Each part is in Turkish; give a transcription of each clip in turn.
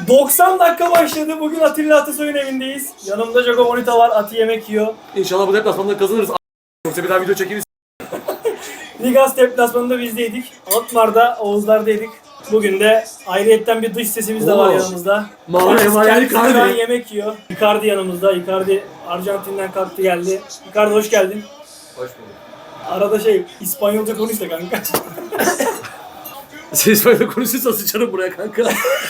90 dakika başladı. Bugün Atilla Atasoy'un evindeyiz. Yanımda Jago Bonita var. Ati yemek yiyor. İnşallah bu deplasmanda kazanırız. Yoksa bir daha video çekeriz. Ligas deplasmanında bizdeydik. Alkmaar'da, Oğuzlar'daydık. Bugün de ayrıyetten bir dış sesimiz de var Oo. yanımızda. Kendisi Kendisi şu an yemek yiyor. Icardi yanımızda. Icardi Arjantin'den kalktı geldi. Icardi hoş geldin. Hoş bulduk. Arada İspanyolca konuş da kanka. Sen İspanyolca konuşursa sıçarım buraya kanka.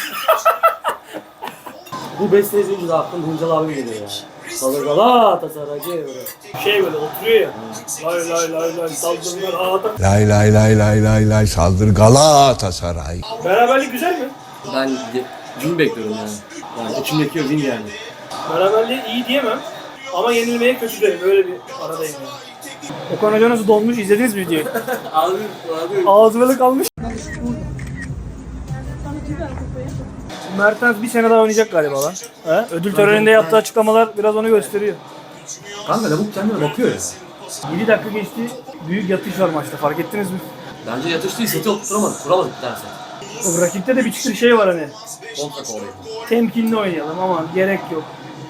Bu beste izleyince de aklım Hıncal abi geliyor ya. Salır Galatasaray böyle. Böyle oturuyor ya. Lay lay lay lay saldırılar ağda. Lay lay lay lay lay lay saldır Galatasaray. Beraberlik güzel mi? Ben win bekliyorum yani. Yani içimdeki o win yani. Beraberliği iyi diyemem. Ama yenilmeye kötü derim. Böyle bir aradayım yani. Okan Hoca nasıl dolmuş? İzlediniz mi videoyu? Abi. Ağzı böyle kalmış. Mertens bir sene daha oynayacak galiba lan. He? Ödül töreninde yaptığı açıklamalar biraz onu gösteriyor. Kanka lavuk kendine bakıyor ya. 7 dakika geçti. Büyük yatış var maçta. Fark ettiniz mi? Bence yatış değil, seti oturtamadık, kuramadık dersen. O rakipte de bir çıtır şey var hani. Kontra kovalayın. Temkinli oynayalım ama gerek yok.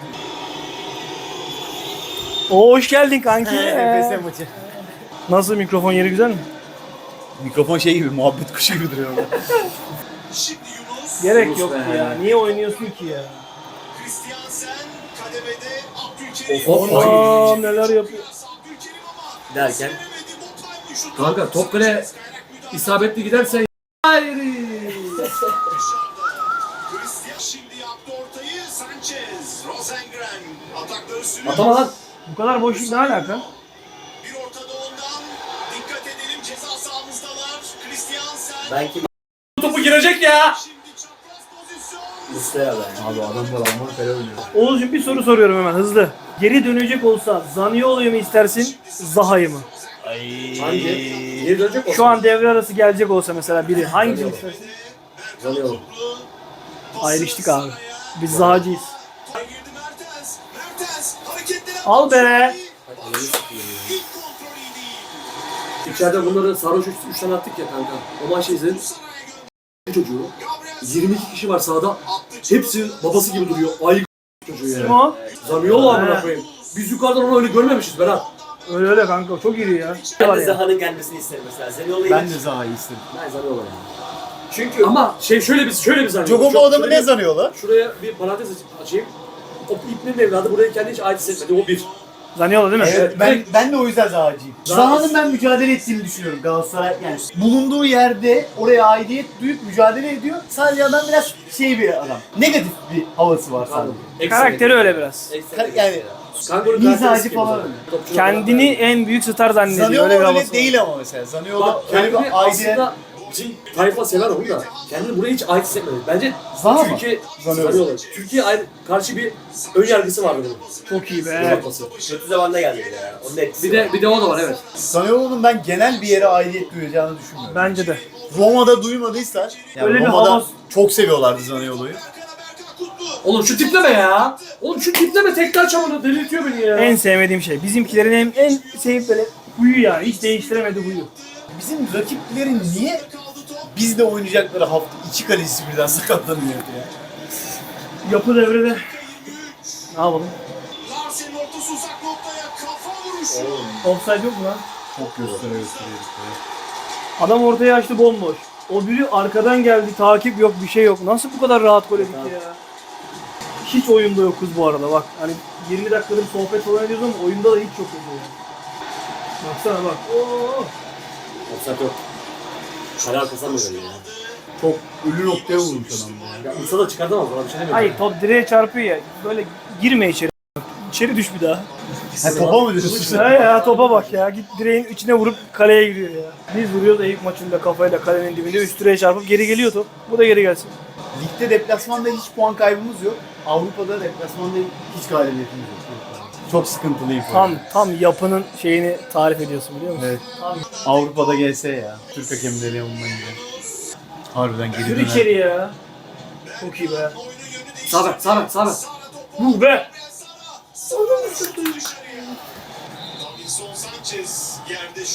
Oo hoş geldin kanki. Efes maçı. Nasıl mikrofon yeri güzel mi? Mikrofon şey gibi, muhabbet kuşu gibi duruyor orada. Gerek Yunus yok be. ya. Niye oynuyorsun ki ya? Of. Aa neler yapıyor. Derken Kanka top kale isabetli giderse hayır. Atama lan. Bu kadar boşluk ne alaka? belki Topu girecek ya. Muslera yani. Abi adamlar Alman kale oynuyor. Oğuzcuğum bir soru soruyorum hemen hızlı. Geri dönecek olsa Zaniolo'yu mu istersin, Zaha'yı mı? Hangi? Geri dönecek olsun. Şu an devre arası gelecek olsa mesela biri hangisini istersin? Zaniolo. Ayrıştık abi. Biz Zaha'cıyız. Al be. İçeride bunları sarhoş 3 tane attık ya kanka. O maçı izledim. Çocuğu. 22 kişi var sahada. Hepsi babası gibi duruyor. Ay çocuğu Kim yani. o? Zaniolo amına koyayım. Biz yukarıdan onu öyle görmemişiz Berat. Öyle öyle kanka çok iri ya. Ben Var de ya. Zaha'nın gelmesini isterim mesela. Zaniolo'yu Ben de Zaha'yı istedim. Ben Zaniolo yani. Çünkü Ama şöyle bir Zaniolo. Jogo bu adamı ne zanıyor lan? Şuraya bir parantez açayım. O İbni'nin evladı buraya kendi hiç ait hissetmedi. O bir. Zaniolo değil mi? Evet, ben de o yüzden Zaha'cıyım. Zaha'nın ben mücadele ettiğini düşünüyorum Galatasaray. Yani bulunduğu yerde oraya aidiyet duyup mücadele ediyor. Sadece adam biraz şey bir adam. Negatif bir havası var sadece. Karakteri öyle biraz. Yani Kanka mizacı falan öyle. Kendini en büyük star zannediyor. Zaniolo Öyle bir öyle havası var. değil ama mesela. Zaniolo Bak öyle kendini bir aidiyet. aslında bizim tayfa sever onu da kendini buraya hiç ait hissetmedi. Bence Zaha mı? Türkiye Zaniolo. Türkiye karşı bir ön yargısı vardı bunun. Çok iyi be. Yapması. kötü zamanda geldi ya. Onun etkisi var. Bir de o da var evet. Zaniolo'nun ben genel bir yere aidiyet duyacağını düşünmüyorum. Bence de. Roma'da duymadıysa, yani Öyle bir Roma'da havas- çok seviyorlardı Zaniolo'yu. Oğlum şu tipleme ya. Oğlum şu tipleme tekrar çamurda delirtiyor beni ya. En sevmediğim şey. Bizimkilerin en sevip böyle huyu yani. Hiç değiştiremedi huyu. Bizim rakiplerin niye bizde oynayacakları hafta iki kalecisi birden sakatlanıyor ya? Yapı devrede. Ne yapalım? Offside yok mu lan? Çok gösteriyor. Adam ortaya açtı bomboş. O biri arkadan geldi, takip yok, bir şey yok. Nasıl bu kadar rahat gol yedik ya? Hiç oyunda yokuz bu arada bak. Hani 20 dakikadır sohbet falan ediyoruz ama oyunda da hiç yokuz ya. Baksana bak. Oo. Offside yok. Kale arkasından mı böyle ya? Çok ölü noktaya vurmuş adam ya. Ya Musa da çıkartamaz bana bir şey demiyorum. Hayır top direğe çarpıyor ya. Böyle girme içeri. İçeri düş bir daha. Ha topa mı diyorsun? Ha ya topa bak ya. Git direğin içine vurup kaleye giriyor ya. Biz vuruyoruz Eyüp maçında kafayla kalenin dibinde üst direğe çarpıp geri geliyor top. Bu da geri gelsin. Ligde deplasmanda hiç puan kaybımız yok. Avrupa'da deplasmanda hiç galibiyetimiz yok. Çok sıkıntılıyım. Tam yapının şeyini tarif ediyorsun biliyor musun? Evet. Tam. Avrupa'da gelse ya. Türk hakemleri yanılmayınca. Harbiden geri Yürü döner. içeri ya. Çok iyi be. Sağ bek. Yuh be.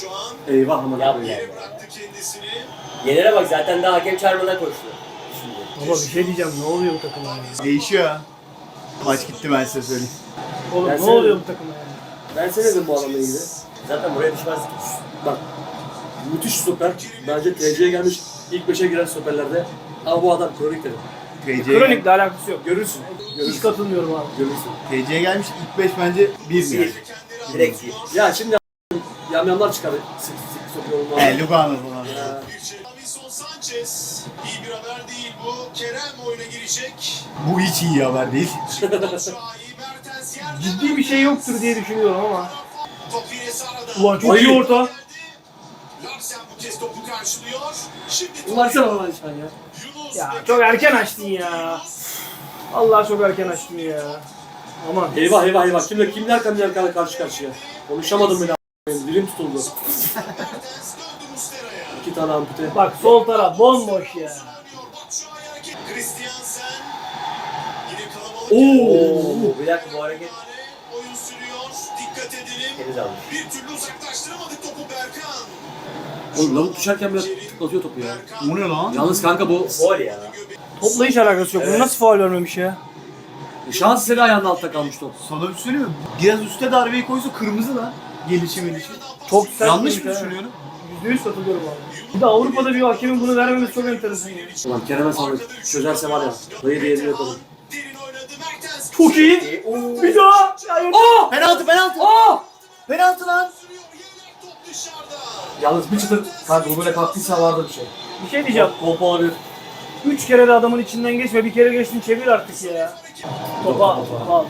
Eyvah aman Yap koyayım. ya. Yenere bak zaten daha hakem çağırmadan koştu. Şimdi. Baba bir şey diyeceğim, ne oluyor bu takıma ya? Değişiyor ya. Maç gitti ben size söyleyeyim. Oğlum Ben ne seni- oluyor bu takıma ya? Ben seni dedim bu adamla ilgili. Zaten buraya düşmezdik. Bak. Müthiş stoper. Bence TC'ye gelmiş ilk 5'e giren stoperlerde. Ama bu adam kronik dedim. Kronikle alakası yok. Görürsün. Hiç Görürsün. katılmıyorum abi. Görürsün. TC'ye gelmiş ilk 5 bence 1 yani. Direkt iyi. Ya şimdi yamyamlar çıkar. Sık sokuyor onlar. Lugano falan. Davinson Sanchez. İyi bir haber değil bu. Kerem oyuna girecek. Bu hiç iyi haber değil. Batshuayi, Mertens yerde. Ciddi bir şey yoktur diye düşünüyorum ama. Top yine Sara'da. Ulan çok iyi orta. Larsen bu kez topu karşılıyor. Şimdi Bunlar sen olan şu an ya. Yunus. Ya çok erken açtın ya. Allah çok erken açtın ya. Aman. Eyvah eyvah eyvah. Kimler karşı karşıya. Konuşamadım bile. Dilim tutuldu. Mertens döndü Mustera'ya. 2 tane ampute. Bak sol taraf bomboş ya. Batshuayi hareket. Christiansen. Yine kalabalık. Oo. Bir dakika bu hareket Oyun sürüyor. Dikkat edelim. temiz almış. Bir türlü uzaklaştıramadık topu Berkan. Oğlum lavuk düşerken bile tıklatıyor topu ya. O ne lan? Yalnız kanka bu Gol ya. Topla hiç alakası yok. Bunu nasıl faul vermemiş ya? şans eseri ayağının altta kalmış top. Sana bir şey söyleyeyim mi? Biraz üste darbeyi koysa kırmızı lan. Gelişi. Çok sert. Yanlış bir mı şey. düşünüyorum? %100 katılıyorum abi. Bir de Avrupa'da bir hakemin bunu vermemesi çok enteresan ya. Ulan Kerem'e sağlık. Çözerse var ya. Dayı diğerini yapalım. Derin oynadı Mertens. Çok iyi. Bir daha. Hayır. Penaltı penaltı. Penaltı lan. Sürüyor. Yedek top dışarıda. Yalnız bir çıtır kanka bu böyle kalktıysa vardı bir şey. Bir şey diyeceğim. Kolpa olabilir. 3 kere de adamın içinden geçme. Bir kere geçtin çevir artık ya. Topa al.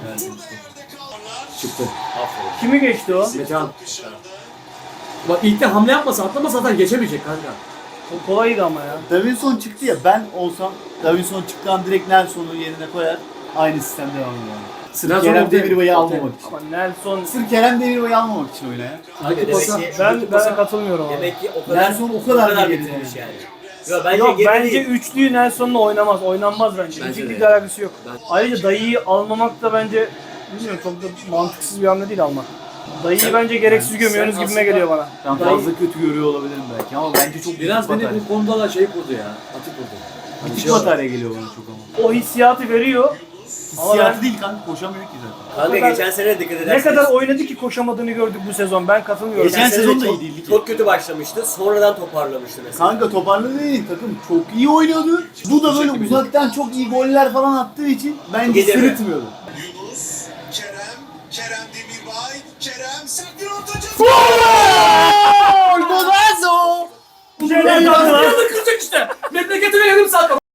Çıktı. Aferin. Kimi geçti o? Metehan. Bak ilk de hamle yapmasa atlamasa zaten geçemeyecek kanka. O kolaydı ama ya. Davinson çıktı ya, ben olsam Davinson çıktıktan direkt Nelson'u yerine koyar. Aynı sistemde devam eder. Kerem Demirbay'ı almamak için. Ama Nelson... Sırf Kerem Demirbay'ı almamak için oyuna ya. Sanki Demek pasa. ki- Ben katılmıyorum abi. Demek ki o kadar Nelson o kadar geride bitirmiş yani. yani. Yok bence Yok geride bence değil. üçlüyü Nelson'la oynamaz. Oynanmaz bence. Bence İkiliyle de. alakası yok. Ben- Ayrıca dayıyı almamak da bence bilmiyorum çok da mantıksız bir hamle değil almak. Dayıyı bence gereksiz gömüyorsunuz sen gibime aslında- geliyor bana. Ben Dayı- fazla kötü görüyor olabilirim belki ama bence çok Biraz büyük beni batarya. bu konuda da şey kurdu ya. Atık kurdu. Hani Küçük şey var. batarya geliyor bana çok ama. O hissiyatı veriyor. Ama Hissiyatı ben- değil kanka, koşamıyor ki zaten. Kanka Ne kadar- geçen sene dikkat Ne ederseniz. kadar oynadı ki koşamadığını gördük bu sezon. Ben katılmıyorum. Geçen sene sezon da çok- iyi değildi ki. Çok kötü başlamıştı. Sonradan toparlamıştı mesela. Kanka toparladı değil, takım çok iyi oynuyordu. Bu da böyle uzaktan çok iyi goller falan attığı için bence Gidemiyor. sırıtmıyordu. Yunus. Kerem Demirbay. Kerem sert bir ortacı. Golazo! Şeyler kaldı lan. kıracak işte. Memleketime yarım saat kaldı.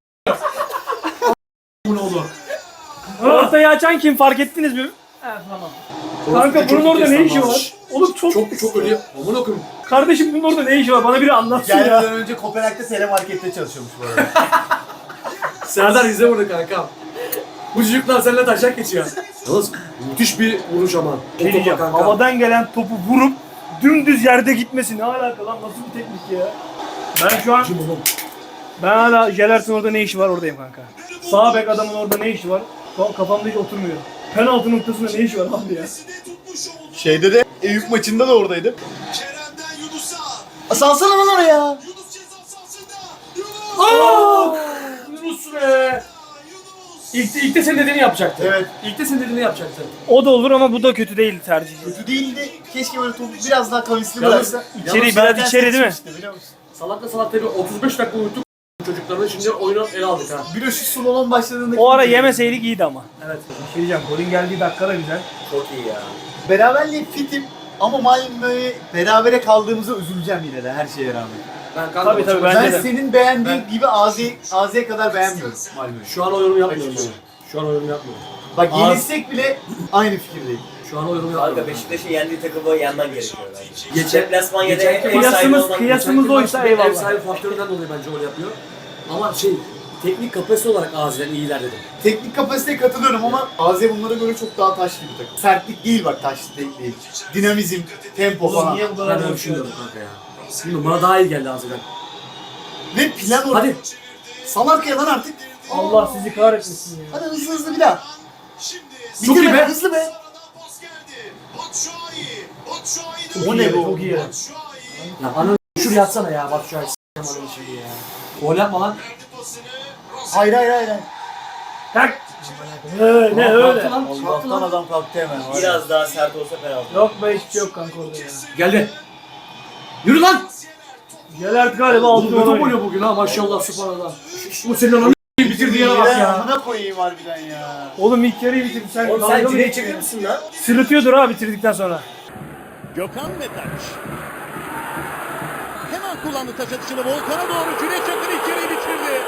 Bu ne oldu? Ortayı açan kim fark ettiniz mi? Evet tamam. Kanka bunun orada ne işi var? Oğlum Çok ölüyor. Aman okuyum. Kardeşim bunun orada ne işi var? Bana biri anlatsın ya. Gelmeden önce Kopenhag'da telemarkette çalışıyormuş bu arada. Serdar izle bunu kankam. Bu çocuklar seninle taşak geçiyor. Yalnız müthiş bir vuruş ama. O Ne diyeceğim? topa kanka. Havadan gelen topu vurup dümdüz yerde gitmesi ne alaka lan? Nasıl bir teknik ya? Ben şu an Kim oğlum? ben hala Jelert'in orada ne işi var oradayım kanka. Sağ bek adamın orada ne işi var? Şu an kafamda hiç oturmuyor. Penaltı noktasında ne işi var abi ya? Tutmuş oldu. Şeyde de Eyüp maçında da oradaydı. Kerem'den Yunus'a. Salsana lan oraya. Yunus ceza sahasında. Yunus. Yunus be. Yunus. İlk de senin dediğini yapacaktı. Evet. İlk de senin dediğini yapacaktı. O da olur ama bu da kötü değil tercih. Kötü değildi. Keşke böyle topu biraz daha kavisli Yalnız- bıraksa. içeri, Yalnız biraz zaten içeri değil mi? seçmişti, biliyor musun? Salakla salak tabi 35 dakika uyuttuk çocuklarını şimdi oyunu ele aldık ha. Bir de şu Sulon'un başladığında... O ara yemeseydik iyiydi ama. Evet. Bir şey diyeceğim. Golün geldiği dakika da güzel. Çok iyi ya. Beraberliğe fitim ama Malmö'ye berabere kaldığımızda üzüleceğim yine de her şeye rağmen. Ben kanka Tabii, tabii, Ben Bence de. senin beğendiğin gibi AZ'ye kadar beğenmiyorum Malmö'yü. Şu an o yorum yapmıyorum ben. Şu an o yorum yapmıyorum. Bak yenilsek bile aynı fikirdeyim. Şu an o yorum yapmıyorum. Kanka Beşiktaş'ın yendiği takımı yenmen gerekiyor bence. Geçen- Deplasman ya da geçenki ev sahibi kıyasımız- olan- kıyasımız oysa Ev eyvallah. sahibi faktöründen dolayı bence öyle yapıyor. Ama teknik kapasite olarak Azi'den iyiler dedim. Teknik kapasiteye katılıyorum ama AZ bunlara göre çok daha taşlı bir takım. Sertlik değil bak, taşlı değil. Dinamizm, tempo falan. Niye bu Ben kadar öyle düşünüyorum kanka ya. Bilmiyorum bana daha iyi geldi Azi'den. Ve plan o. Hadi. Salak ya lan artık. Allah sizi kahretmesin ya. Hadi hızlı bir daha. Şimdi. Çok iyi Bitirme, be. hızlı be. Aradan pas geldi. Batshuayi. Batshuayi. O ne be? Çok iyi ya. Batshuayi. Ya ananı şuraya yatsana ya bak şu an s***im ananı şeyi ya. Gol yapma lan. Verdi pasını. Hayır. Tak. Ne öyle? Allah'tan adam kalktı hemen. var ya. Biraz daha sert olsa penaltı. Yok be, hiçbir şey yok kanka orada ya. Geldi. Yürü lan. Gelert galiba Oğlum aldı kötü onu. oynuyor bugün ha maşallah subhanallah. Bu senin ananı bitirdi yere bak ya. Amına koyayım harbiden ya. Oğlum ilk yarıyı bitirdi. Sen Oğlum dalga sen mı direğe geçiyorsun? çekiyor musun lan? Sırıtıyordur ha bitirdikten sonra. Gökhan Metaç. Hemen kullandı taç atışını Volkan'a doğru. Cüneyt Çakır içeriği bitirdi.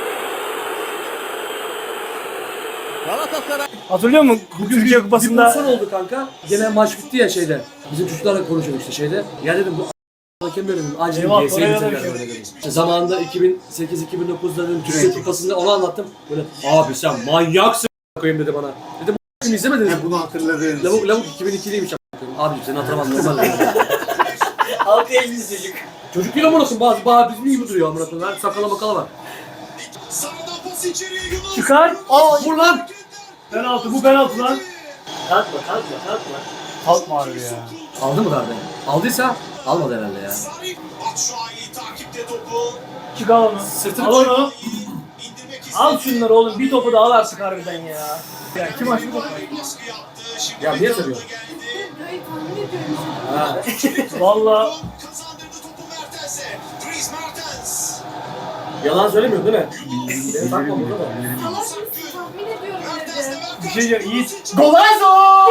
Galatasaray. Hatırlıyor musun? Türkiye Bir Kupası'nda pozisyon oldu kanka. Gene maç bitti ya şeyde. Bizim çocuklarla konuşuyorduk işte şeyde. Ya dedim bu hakem dedim acil Eyvah, bir GS'ye oraya da bitirdiler bir şey. böyle dedim. İşte zamanında 2008-2009'da dedim Türkiye Kupası'nda onu anlattım. Böyle abi sen manyaksın koyayım dedi bana. Dedim bu izlemediniz mi? Bunu hatırladım. Lavuk 2002'liymiş abicim seni hatırlamam normal. Altı elli çocuk. Çocuk değil amına koyayım bazı bizim gibi duruyor amına koyayım. Her sakala makala var. Sağdan pas içeriye Yunus. çıkar. Vur lan. Penaltı, bu penaltı lan. Kalkma. Kalkma harbi ya. Aldı mı darbe? Aldıysa almadı herhalde ya. Sarı Batshuayi takipte topu. Çık al onu. Sırtını Al onu. İndirmek istedi. Al şunları oğlum. Bir topu da al artık harbiden ya. Ya kim açtı bu topu? Baskı yaptı. Şimdi Ya niye Metehan'da soruyor? geldi. Burayı tahmin ediyorum. Ha. Valla Kazandırdı topu Mertens'e. Dries Mertens. Yalan söylemiyorsun değil mi? Beni takma burada da. Salak mısın? Tahmin ediyorum Mertens'le dedi. bir şey diyeceğim. Yiğit. Golazo!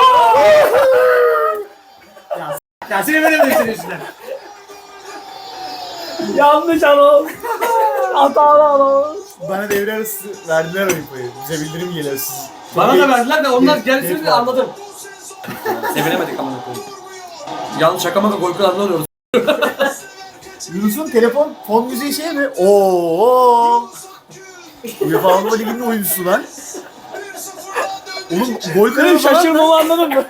Ya seni veremedim senin yüzünden. Yanlış anons. Hatalı anons. Bana devre arası verdiler oyun payı. Bize bildirim geliyor siz. Bana da verdiler de onlar gelsin Geç de anladım. Sevinemedik amına koyayım. Yanlış şakama da gol kralını arıyoruz. Yunus'un telefon fon müziği şey mi? Oo. UEFA Avrupa Ligi'nin oyuncusu lan. Oğlum gol Benim kralı falan. şaşırmamı anladın mı?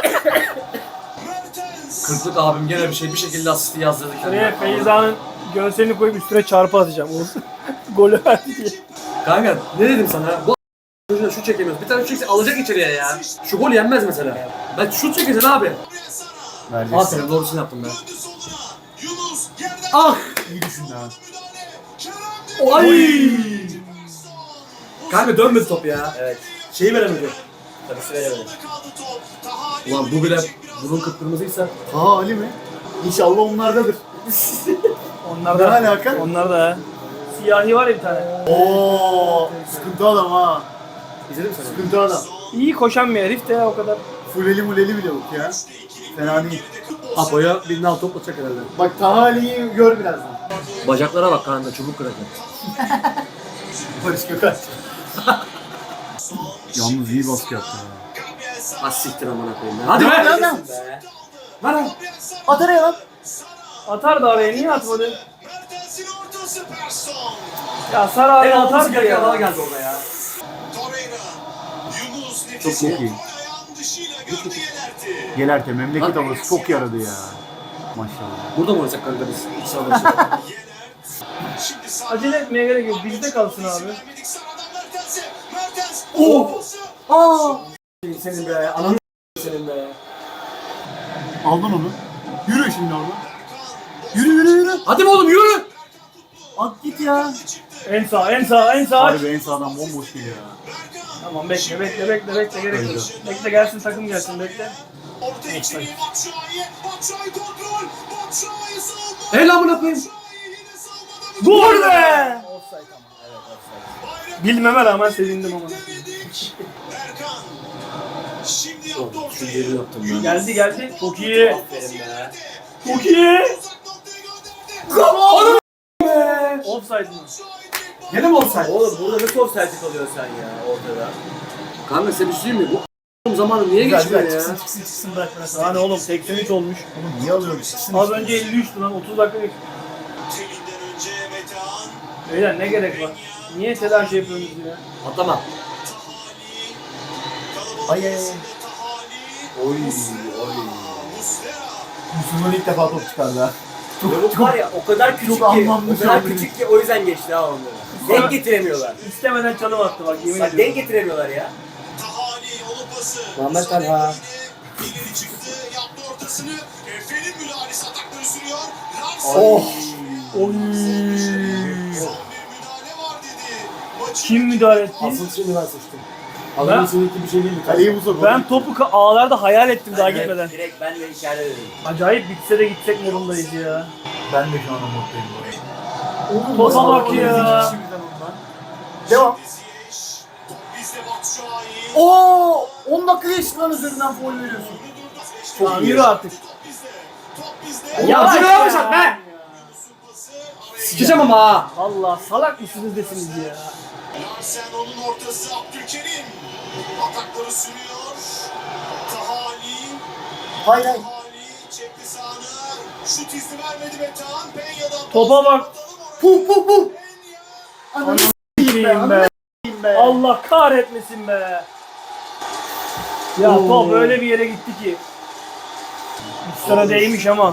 Kırklık abim gene bir şekilde asisti yazdırdı Şuraya kendine. Feyza'nın görselini koyup üstüne çarpı atacağım. Golü verdi diye. Kanka ne dedim sana? Bu çocuğuna şut çekemiyoruz. Bir tane şut çekse alacak içeriye ya. Şu gol yenmez mesela. Ben şut çekeceksin abi. Aferin doğrusunu yaptım ben. Döndü soluna. Yunus yerden Ah! İyi düşündü ha. müdahale. Kerem Ay! Kanka dönmedi top ya. Evet. Şeyi veremedi. Tabii sıraya verelim. kaldı top. Tahani Ulan bu bile bunun kıpkırmızıysa. Ha Ali mi? İnşallah onlardadır. Onlar Ne da. alaka? Onlar da. Siyahi var ya bir tane. Oo, sıkıntı adam ha. İzledin mi sen? Sıkıntı adam. İyi koşan bir herif de ya o kadar. Fuleli muleli bile yok ya. Fena değil. Apo'ya bir nal top atacak herhalde. Bak Taha Ali'yi gör birazdan. Bacaklara bak kanka çubuk kıracak. Barış Gökaç. Yalnız iyi baskı yaptı ya. Az siktir amına koyayım ya. Hadi be! Hadi lan. Be. Ver lan! At araya lan. Atar da araya niye atmadı? Mertens'in ortası Persson. Ya Sara araya En altısı atar gereken adama ya. geldi orada ya. Torreira. Yunus nefis. Çok iyi. Ayağın dışıyla gördü Yenerti. Gelerte memleket havası çok yaradı ya. Maşallah. Burada mı oynasak kanka biz? İç saha başı. Yenert. Şimdi sağ. Acele etmeye gerek yok. Bizde kalsın abi. Vermedik Sara'dan Mertens'e. Mertens. Oh! Ortası. Aa! Senin be, ananı senin be. Aldın onu. Yürü şimdi orada. Yürü. Hadi be oğlum yürü! At git ya. En sağ, en sağ, en sağ. Harbi en sağdan bomboş geliyor ya. Tamam bekle gerek yok. Bekle gelsin takım gelsin bekle. Orta içeriye Batshuayi. Batshuayi kontrol. Batshuayi savunma. El amına koyayım. Batshuayi yine savunmada. Gol be! Evet offside. Bilmeme rağmen sevindim ama. Berkan. Şimdi yaptı Şu ortayı. yeri yaptım ben. Geldi. Çok iyi. Aferin be. Çok iyi. Uzak noktaya gönderdi. Offside mı? Gene mi olsaydı? Oğlum burada nasıl offside kalıyorsun sen ya ortada? Kanka size bir şey diyeyim mi? Bu zamanı niye Güzel geçmiyor ya? çıksın bırak biraz. Hani oğlum 83 olmuş. Oğlum niye alıyorsun çıksın. Az önce 53'tü lan 30 dakika geç. Telinden önce Metehan. Beyler ne gerek var? Niye telaş yapıyorsunuz ya? Atlama. Ay ay ay. Tahani. Oy. Muslera. Yusuf'un ilk defa top çıkardı ha. Lavuk var ya o kadar küçük ki, anlamlı o kadar şey küçük ki o yüzden geçti ha onları. Denk getiremiyorlar. İstemeden çalım attı bak yemin Bak denk ediyorum. getiremiyorlar ya. Tahani onun pası. Muhammed Talha. İleri çıktı. Yaptı ortasını. Efe'nin müdahalesi atakları sürüyor. Larsen. Oh. Son bir müdahale var dedi. maçı Kim müdahale etti? Asıl şimdi ben seçtim. Adamın seninki bir şey değil mi? Kaleyi bu soru. Ben topu ağlarda hayal ettim daha Evet, gitmeden. direkt ben de içeride dedim. Acayip bitse de gitsek modundayız ya. Ben de şu an umutluyum bu arada. Topa bak ya. Devam. Ziyech. Top bizde Batu Şahin. Oo, 10 dakika geçti lan üzerinden foul veriyorsun. Tamam yürü artık. Top bizde. Top bizde. Yavaş Şuraya yavaş at be! Yunus'un pası araya Sikeceğim ama ha. Allah salak mısınız desiniz ya. Larsen onun ortası Abdülkerim. Atakları sürüyor. Tahali. Hayır hayır. Tahali çekti sağına. Şut izni vermedi Metehan. Penya'dan. Topa bak. Puh puh puh. Penya. Ananı Gireyim be. be. Allah kahretmesin be. Ya top öyle bir yere gitti ki. Üstüne değmiş ama.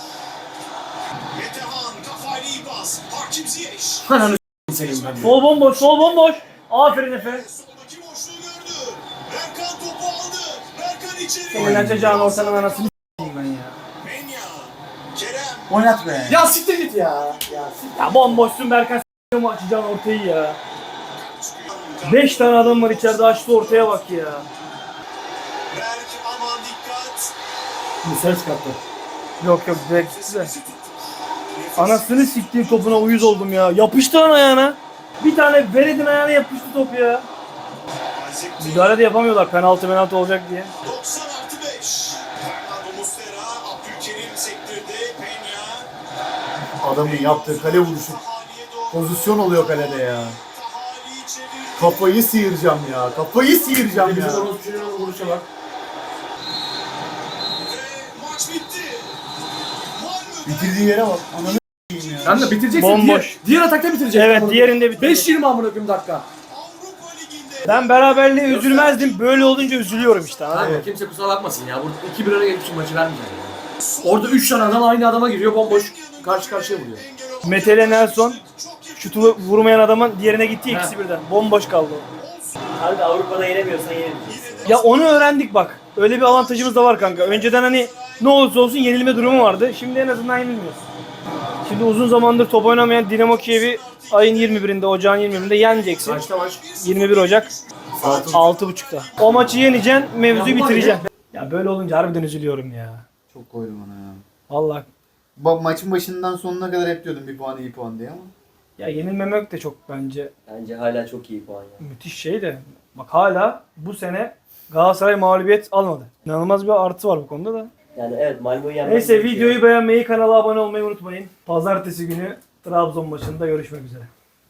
Metehan kafayla iyi pas. Hakim Ziyech. Ananı senin ben. Sol bomboş, sol bomboş. Aferin Efe. Soldaki boşluğu gördü. Berkan topu aldı. Berkan içeri. Senin açacağın ortanın anasını s**eyim ben ya. Penya. Kerem. Oynat be. Ya siktir git ya. Ya bomboşsun Berkan s**eyim açacağın ortayı ya. 5 tane adam var içeride açtı ortaya bak ya. Berk aman dikkat. Misal çıkarttı. Yok yok direkt size. Anasını siktiğim topuna uyuz oldum ya. Yapıştı lan ayağına. Bir tane veredin ayağına yapıştı top ya. Müdahale de yapamıyorlar penaltı olacak diye. 90+5. Fernando Muslera. Abdülkerim sektirdi. Penya. Adamın yaptığı kale vuruşu. Tahali'ye doğru. Pozisyon oluyor kalede ya. Tahali çevirdi. Kafayı sıyıracağım ya. Kafayı sıyıracağım Bizim ya. orası çocuğun vuruşa bak. Ve maç bitti. Malmö'den Bitirdiği yere bak. Ananı s**eyim ya. Sen de bitireceksin. Bomboş. Diğer atakta bitireceksin. Evet diğerinde bitti. 5-20 amına koyayım dakika. Avrupa Ligi'nde Ben beraberliğe üzülmezdim. Böyle olunca üzülüyorum işte. Kanka Abi. kimse kusura bakmasın ya. Burada 2-1 öne geçmiş maçı vermeyeceksin ya. Orada 3 tane adam aynı adama giriyor bomboş. Karşı karşıya vuruyor. Mete ile Nelson şutu vurmayan adamın diğerine gitti ikisi birden. Bomboş kaldı o. Abi Avrupa'da yenemiyorsan yenemeyeceksin. Ya onu öğrendik bak. Öyle bir avantajımız da var kanka. Önceden hani ne olursa olsun yenilme durumu vardı. Şimdi en azından yenilmiyoruz. Şimdi uzun zamandır top oynamayan Dinamo Kiev'i ayın 21'inde, ocağın 21'inde yeneceksin. Kaçta maç? 21 Ocak 6.30'da. O maçı yeneceksin, mevzuyu bitireceksin. Ya böyle olunca harbiden üzülüyorum ya. Çok koydum ona ya. Vallahi Maçın başından sonuna kadar hep diyordum bir puan iyi puan diye ama. ya yenilmemek de çok bence Bence hala çok iyi puan ya. müthiş şey de. Bak hala bu sene Galatasaray mağlubiyet almadı. İnanılmaz bir artı var bu konuda da. Yani evet Malmö'yü yenmek Neyse gerekiyor. videoyu beğenmeyi, kanala abone olmayı unutmayın. Pazartesi günü Trabzon maçında görüşmek üzere.